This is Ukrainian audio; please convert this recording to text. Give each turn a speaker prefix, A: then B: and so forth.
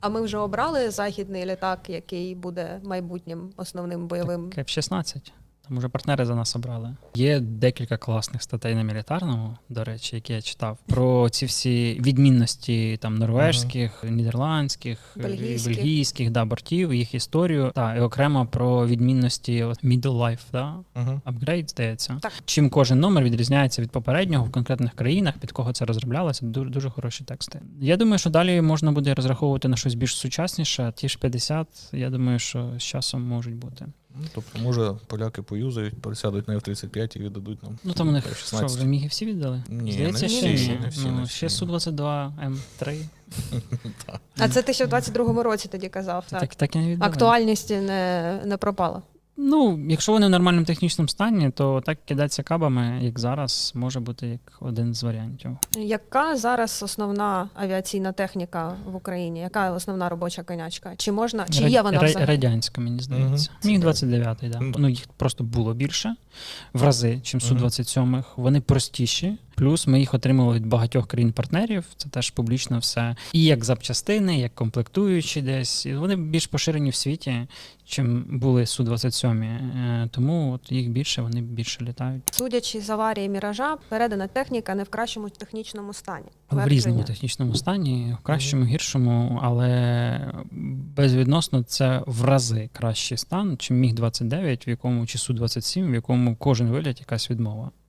A: А ми вже обрали західний літак, який буде майбутнім основним бойовим?
B: Так, F-16. Там уже партнери за нас обрали. Є декілька класних статей на мілітарному, до речі, які я читав, про ці всі відмінності там норвежських, нідерландських, бельгійських бортів, їх історію, і окремо про відмінності middle life, upgrade, здається.
A: Так.
B: Чим кожен номер відрізняється від попереднього в конкретних країнах, під кого це розроблялося, дуже, дуже хороші тексти. Я думаю, що далі можна буде розраховувати на щось більш сучасніше, ті ж 50, я думаю, що з часом можуть бути.
C: Тобто, може, поляки поюзають, пересядуть на F-35 і віддадуть нам.
B: Ну там у них
C: F-16.
B: що, вже міги всі віддали?
C: Ні,
B: здається,
C: не
B: ще
C: всі,
B: ні.
C: не всі,
B: Ну,
C: не
B: ще
C: всі.
B: Су-22, М3.
A: А це ти ще в 22-му році тоді казав, так?
B: Так і не віддали.
A: Актуальність не пропала.
B: Ну, якщо вони в нормальному технічному стані, то так кидатися кабами, як зараз, може бути як один з варіантів.
A: Яка зараз основна авіаційна техніка в Україні? Яка основна робоча конячка? Чи можна, чи є вона взагалі?
B: Радянська, мені здається. Міг-29, да. Ну, їх просто було більше в рази, чим Су-27. Вони простіші. Плюс ми їх отримали від багатьох країн-партнерів, це теж публічно все. І як запчастини, як комплектуючі десь. І вони більш поширені в світі, чим були Су-27. Тому от їх більше, вони більше літають.
A: Судячи з аварії «Міража», передана техніка не в кращому технічному стані.
B: В різному технічному стані, в кращому, гіршому, але безвідносно це в рази кращий стан, чим Міг-29, в якому, чи Су-27, в якому кожен виліт якась відмова.